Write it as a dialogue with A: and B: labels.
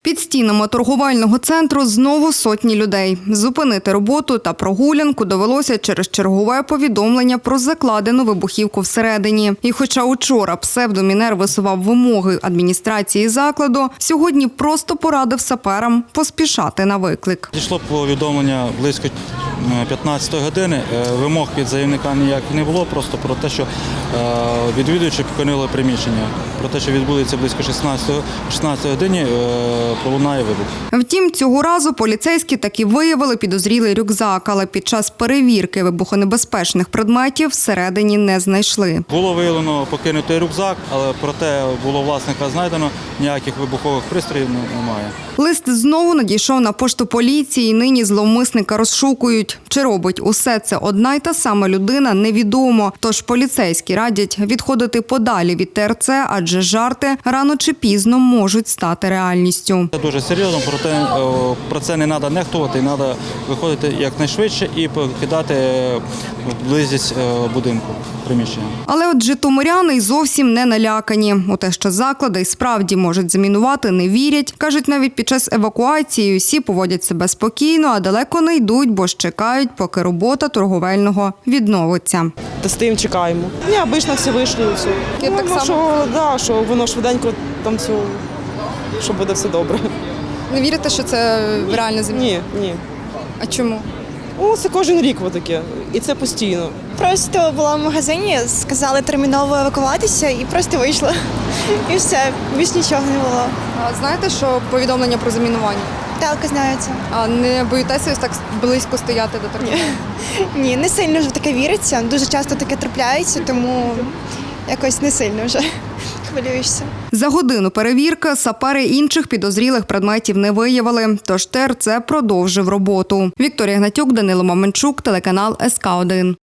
A: Під стінами торговельного центру знову сотні людей. Зупинити роботу та прогулянку довелося через чергове повідомлення про закладену вибухівку всередині. І хоча учора псевдомінер висував вимоги адміністрації закладу, сьогодні просто порадив саперам поспішати на виклик.
B: Дійшло повідомлення близько 15 години. Вимог від заявника ніяких не було, просто про те, що відвідувачі покинули приміщення. Про те, що відбудеться близько 16 годині, пролунає вибух.
A: Втім, цього разу поліцейські таки виявили підозрілий рюкзак, але під час перевірки вибухонебезпечних предметів всередині не знайшли.
B: Було виявлено покинутий рюкзак, але проте було власника знайдено, ніяких вибухових пристроїв немає.
A: Лист знову надійшов на пошту поліції, і нині зловмисника розшукують. Чи робить усе це одна й та сама людина, невідомо. Тож поліцейські радять відходити подалі від ТРЦ, адже жарти рано чи пізно можуть стати реальністю.
B: Це дуже серйозно, проте про це не треба нехтувати, треба виходити якнайшвидше і покидати близькість будинку, приміщення.
A: Але от житомиряни й зовсім не налякані. У те, що заклади й справді можуть замінувати, не вірять. Кажуть, навіть під час евакуації усі поводять себе спокійно, а далеко не йдуть, бо ж чекають, поки робота торговельного відновиться.
C: Та стоїмо, чекаємо. Ні, обично всі вийшли і все.
A: Я так само.
C: Що воно швиденько там все, що буде все добре.
A: Не вірите, що це реально заміна?
C: Ні.
A: А чому?
C: Це кожен рік таке, і це постійно.
D: Просто була в магазині, сказали терміново евакуватися і просто вийшла. І все, більш нічого не було.
A: А знаєте, що повідомлення про замінування?
D: Так, знаю це.
A: А не боїтеся ось так близько стояти до торговельного?
D: Ні, не сильно вже в таке віриться. Дуже часто таке трапляється, тому якось не сильно вже хвилюєшся.
A: За годину перевірки сапери інших підозрілих предметів не виявили, тож ТРЦ продовжив роботу. Вікторія Гнатюк, Данило Маменчук, телеканал СК1.